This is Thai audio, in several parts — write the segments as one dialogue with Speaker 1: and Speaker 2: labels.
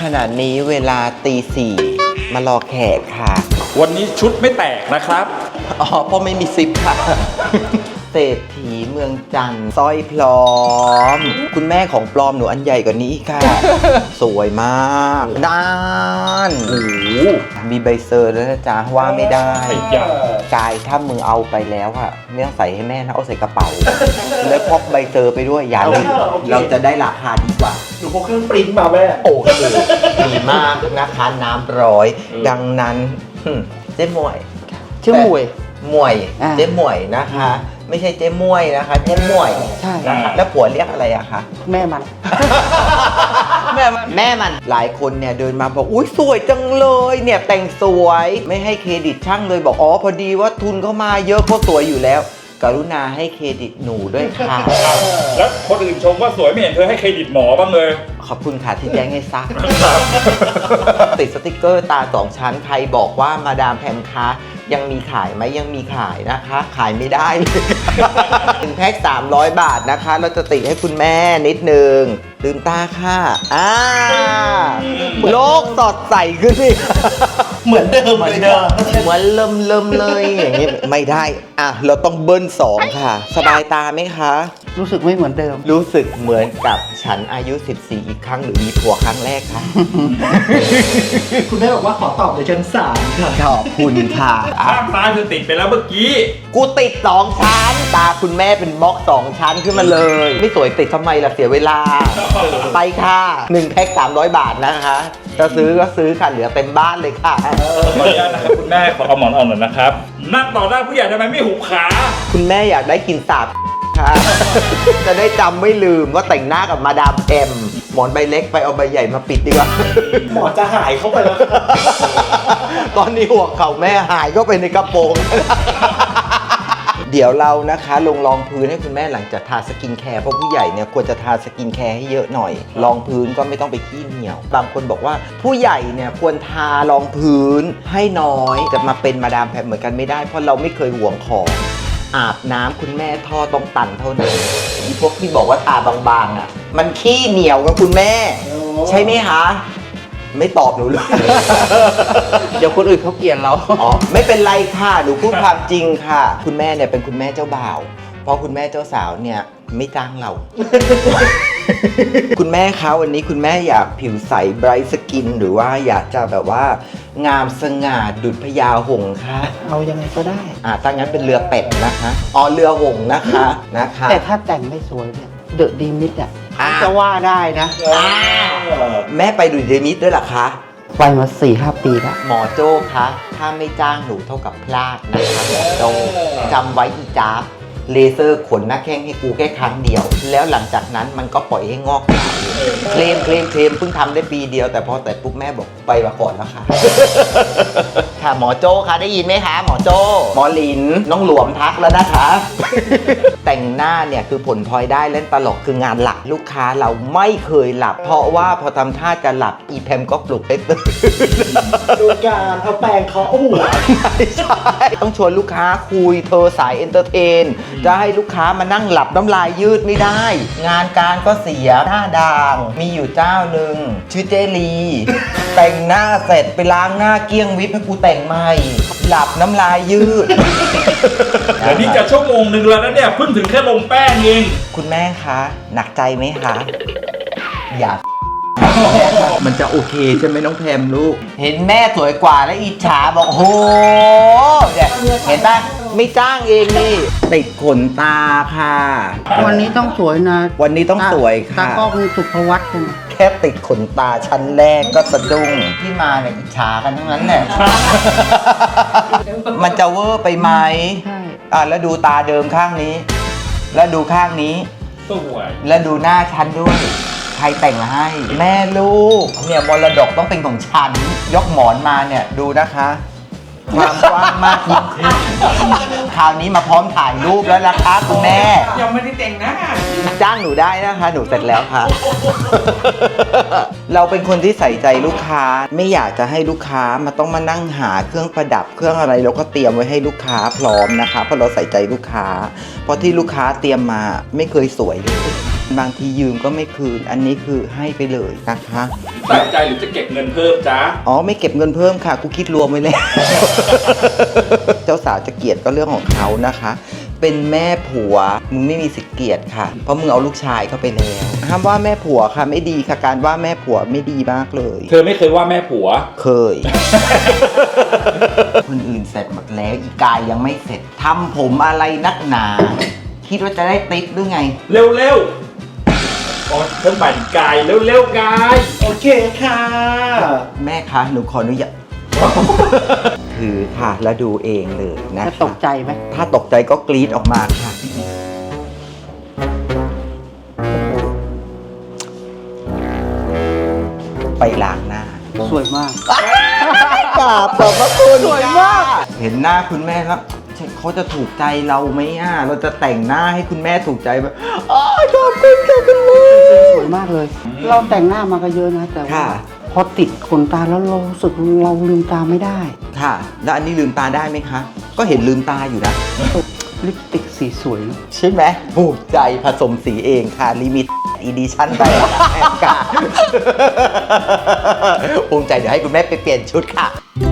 Speaker 1: ขณะนี้เวลาตี 4มารอแขกค่ะ
Speaker 2: วันนี้ชุดไม่แตกนะครับ
Speaker 1: อ๋อเพราะไม่มีซิปค่ะ เศรษฐีเมืองจันทร์สร้อยพร้อม คุณแม่ของปลอมหนูอันใหญ่กว่านี้อีกค่ะ สวยมากด้าน
Speaker 2: โอ้โห
Speaker 1: มีใบเซอร์แล้วนะจ๊ะว่าไม่ได้
Speaker 2: ไอ้ยาก
Speaker 1: ายถ้ามึงเอาไปแล้วอะไม่ต้องใส่ให้แม่นะเอาใส่กระเป๋า แล้วพกใบเซอร์ไปด้วยอย่าลืมเราจะได้ราคาดีกว่า
Speaker 3: หนูพกเครื่องปริ้นมาแม่
Speaker 1: โอเคดีมากนะคะน้ำร้อย ดังนั้นเจ๊หมวย
Speaker 4: ชื่อหมวย
Speaker 1: หมวย
Speaker 4: อ่า
Speaker 1: เจ๊หมวยนะคะ ไม่ใช่เจ๊มวยนะคะเจ๊หมวย
Speaker 4: ใช่
Speaker 1: นะคะแล้วผัวเรียกอะไรอะคะ
Speaker 4: แม่มัน
Speaker 1: แม่มันหลายคนเนี่ยเดินมาบอกอุ้ยสวยจังเลยเนี่ยแต่งสวยไม่ให้เครดิตช่างเลยบอกอ๋อพอดีว่าทุนเข้ามาเยอะก็สวยอยู่แล้ว กรุณาให้เครดิตหนูด้วยค่ะ
Speaker 2: แล้วคนอื่นชมว่าสวยไม่เห็นเธอให้เครดิตหมอบ้างเลย
Speaker 1: ขอบคุณค่ะที่แจ้งให้ซัก ติดสติกเกอร์ตา2 ชั้นใครบอกว่ามาดามแพมคะยังมีขายไหมยังมีขายนะคะ ขายไม่ได้เลย ถึงแพ็ค300 บาทนะคะ เราจะติดให้คุณแม่นิดนึงลืมตาค่ะโลกสดใสขึ้นสิ
Speaker 3: เหมือนเดิม
Speaker 1: เหมือน
Speaker 3: เลย
Speaker 1: เดิม
Speaker 3: ค่ะ
Speaker 1: เหมือนเริ่มเลยอย่างนี้ไม่ได้อ่ะเราต้องเบิ้ล2ค่ะ สบายตาไหมคะ
Speaker 4: รู้สึกไม่เหมือนเดิม
Speaker 1: รู้สึกเหมือนกับฉันอายุ 14 อีกครั้งหรือมีผัวครั้งแรกคะ
Speaker 3: คุณแม่บอกว่าขอตอบในชั้น3ค่ะ
Speaker 1: ขอบคุณค่ะอ่ะ
Speaker 2: ข้างตาเธอติดไปแล้วเมื่อกี้
Speaker 1: กูติด2 ชั้น ตาคุณแม่เป็นบล็อก2 ชั้นขึ้นมาเลย ไม่สวยติดทำไมล่ะเสียเวลา ไปค่ะ1แพ็ค300 บาทนะคะจะซื้อก็ซื้อค่ะเหลือเต็มบ้านเลยค่ะ
Speaker 2: ขออนุญาตนะครับคุณแม่ขอเอาหมอนออกหน่อยนะครับ นั่งต่อหน้าผู้ใหญ่ทำไมไม่หุบขา
Speaker 1: คุณแม่อยากได้กินสาบค่ะ จะได้จำไม่ลืมว่าแต่งหน้ากับมาดามแอมหมอนใบเล็กไปเอาใบใหญ่มาปิดดีกว่า
Speaker 3: หมอจะหายเข้าไปแล้วค่ะ
Speaker 1: ตอนนี้หัวเข่าแม่หายเข้าไปในกระโปรง เดี๋ยวเรานะคะลงรองพื้นให้คุณแม่หลังจากทาสกินแคร์เพราะผู้ใหญ่เนี่ยควรจะทาสกินแคร์ให้เยอะหน่อยรองพื้นก็ไม่ต้องไปขี้เหนียวบางคนบอกว่าผู้ใหญ่เนี่ยควรทารองพื้นให้น้อยจะมาเป็นมาดามแพมเหมือนกันไม่ได้เพราะเราไม่เคยหวงของอาบน้ำคุณแม่ท่อต้องตันเท่านั้นอีพวกที่บอกว่าทาบางๆอ่ะมันขี้เหนียวกับคุณแม่ ใช่ไหมคะไม่ตอบหนูเลย
Speaker 4: เดี๋ยวคนอื่นเขาเกลียดเรา
Speaker 1: อ๋อไม่เป็นไรค่ะหนูพูดความจริงค่ะ คุณแม่เนี่ยเป็นคุณแม่เจ้าบ่าวเพราะคุณแม่เจ้าสาวเนี่ยไม่จ้างเรา คุณแม่คะวันนี้คุณแม่อยากผิวใสไบรท์สกินหรือว่าอยากจะแบบว่างามสง่าดุจพญาหงส์ค่ะ
Speaker 4: เอายังไงก็ได้
Speaker 1: ถ้างั้นเป็นเรือเป็ดนะคะอ๋อเรือหงส์นะคะนะคะ
Speaker 4: แต่ถ้าแต่งไม่สวยเนี่ยเดอะดีมิดอ่ะ
Speaker 1: อ่า
Speaker 4: จะว่าได้นะ
Speaker 1: แม่ไปดูเดนิสด้วยเหรอคะ
Speaker 4: ไปมา 4-5 ปีแล้ว
Speaker 1: หมอโจ้คะถ้าไม่จ้างหนูเท่ากับพลาดนะคะหมอโจ้จำไว้อีจ้าบเลเซอร์ขนหน้าแข้งให้กูแค่ครั้งเดียว แล้วหลังจากนั้นมันก็ปล่อยให้งอกยาวเคลมเพิ่งทำได้ปีเดียวแต่พอแต่ปุ๊บแม่บอกไปมาก่อนแล้วค่ะ ค่ะหมอโจ้คะได้ยินไหมคะหมอโจ้หมอหลินน้องหลวมทักแล้วนะคะ แต่งหน้าเนี่ยคือผลพลอยได้เล่นตลกคืองานหลักลูกค้าเราไม่เคยหลับ เพราะว่าพอทำท่าจะหลับอีแพมก็ปลุกให้ตื่น
Speaker 3: โดยการเอาแปรงเคาะหัว
Speaker 1: ไม่ใช่ต้องชวนลูกค้าคุยเธอสายเอนเตอร์เทน จะให้ลูกค้ามานั่งหลับน้ำลายยืดไม่ได้ งานการก็เสียหน้าด่าง มีอยู่เจ้าหนึ่งชื่อเจลี แต่งหน้าเสร็จไปล้างหน้าเกลี้ยงวิปให้กูแต่งใหม่ หลับน้ำลายยืด
Speaker 2: เดี๋ยวนี้จะชั่วโมงหนึ่งแล้วนะเนี่ยเพิ่งถึงแค่ลงแป้งเอง
Speaker 1: คุณแม่คะ หนักใจไหมคะ อย่า มันจะโอเคใช่ไหมน้องแพมลูก เห็นแม่สวยกว่าแล้วอิจฉาบอกโหเนี่ยเห็นปะไม่จ้างเองนี่ ติดขนตาค่ะ
Speaker 4: วันนี้ต้องสวยนะ
Speaker 1: วันนี้ต้องสวยค่ะ
Speaker 4: ตากล้องสุภวัฒน์ใช่ไหม
Speaker 1: แค่ติดขนตาชั้นแรกก็สะดุ้งที่มาเนี่ยอิจฉากันทั้งนั้นแหละ มันจะเวอร์ไปไหม
Speaker 4: ใช่
Speaker 1: แล้วดูตาเดิมข้างนี้ แล้วดูข้างนี้
Speaker 2: สวย
Speaker 1: แล้วดูหน้าฉันด้วย ใครแต่งให้ แม่ลูก เนี่ยมรดกต้องเป็นของฉัน ยกหมอนมาเนี่ยดูนะคะ ความกว้างมากยิ่งขึ้นคราวนี้มาพร้อมถ่ายรูปแล้วนะคะคุณแม่
Speaker 5: ยังไม่ได้แต่งหน้า
Speaker 1: จ้างหนูได้นะคะ หนูเสร็จแล้วค่ะ เราเป็นคนที่ใส่ใจลูกค้า ไม่อยากจะให้ลูกค้ามาต้องมานั่งหาเครื่องประดับเครื่องอะไรเราก็เตรียมไว้ให้ลูกค้าพร้อมนะคะ เพราะเราใส่ใจลูกค้า เพราะที่ลูกค้าเตรียมมาไม่เคยสวยเลยบางทียืมก็ไม่คืน อันนี้คือให้ไปเลยนะคะ
Speaker 2: ใส่ใจหรือจะเก็บเงินเพิ่มจ๊ะ
Speaker 1: อ๋อไม่เก็บเงินเพิ่มค่ะกูคิดรวมไว้แล้ว เจ้าสาวจะเกลียดก็เรื่องของเขานะคะ เป็นแม่ผัวมึงไม่มีสิทธิ์เกลียดค่ะ เพราะมึงเอาลูกชายเข้าไปแล้วห้ามว่าแม่ผัวค่ะไม่ดีค่ะการว่าแม่ผัวไม่ดีมากเลย
Speaker 2: เธอไม่เคยว่าแม่ผัว
Speaker 1: เคย คนอื่นเสร็จหมดแล้วอีกายยังไม่เสร็จทำผมอะไรนักหนา คิดว่าจะได้ติ๊บหรือไง
Speaker 2: เร็วๆอ๋อเพิ่มบันกายเร็วๆกาย
Speaker 3: โอเคค่ะ
Speaker 1: แม่คะหนูขออนุญาต ถือค่ะแล้วดูเองเลยนะ
Speaker 4: จะ
Speaker 1: คะ
Speaker 4: ตกใจไหม
Speaker 1: ถ้าตกใจก็กรี๊ดออกมาค่ะ ไปล้างหน้า
Speaker 4: สวยมาก
Speaker 1: กราบขอบพระคุณ
Speaker 4: สวยมาก
Speaker 1: เห็นหน้าคุณแม่แล้วเขาจะถูกใจเราไหมอ่ะเราจะแต่งหน้าให้คุณแม่ถูกใจแบบอ๋อขอบคุณค่ะคุณแม่
Speaker 4: สวยมากเลย เราแต่งหน้ามาก็เยอะนะ แต่ว่า
Speaker 1: ค่ะ
Speaker 4: พอติดขนตาแล้วเรารู้สึกเราลืมตาไม่ได้
Speaker 1: ค่ะ แล้วอันนี้ลืมตาได้ไหมคะ ก็เห็นลืมตาอยู่นะ
Speaker 4: ลิปสติกสีสวยนะ
Speaker 1: ใช่ไหมถูกใจผสมสีเองค่ะ ลิมิตอีดิชั่นไปแอบกาภูมิใจเดี๋ยวให้คุณแม่ไปเปลี่ยนชุดค่ะ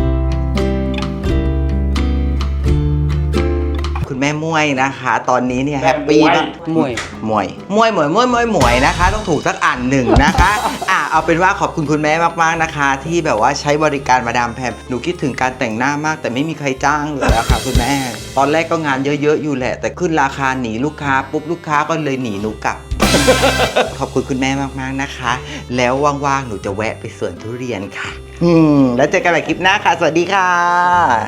Speaker 1: คุณแม่มวยนะคะ ตอนนี้เนี่ยแฮปปี้มาก
Speaker 4: มวย
Speaker 1: มวยนะคะ ต้องถูกสักอันหนึ่งนะคะเอาเป็นว่าขอบคุณคุณแม่มากๆนะคะ ที่แบบว่าใช้บริการมาดามแพมหนูคิดถึงการแต่งหน้ามากแต่ไม่มีใครจ้างเลยอะค่ะคุณแม่ ตอนแรกก็งานเยอะๆอยู่แหละ แต่ขึ้นราคาหนีลูกค้าปุ๊บลูกค้าก็เลยหนีหนูกลับ ขอบคุณคุณแม่มากๆนะคะ แล้วว่างๆหนูจะแวะไปสวนทุเรียนค่ะแล้วเจอกันใหม่คลิปหน้าค่ะ สวัสดีค่ะ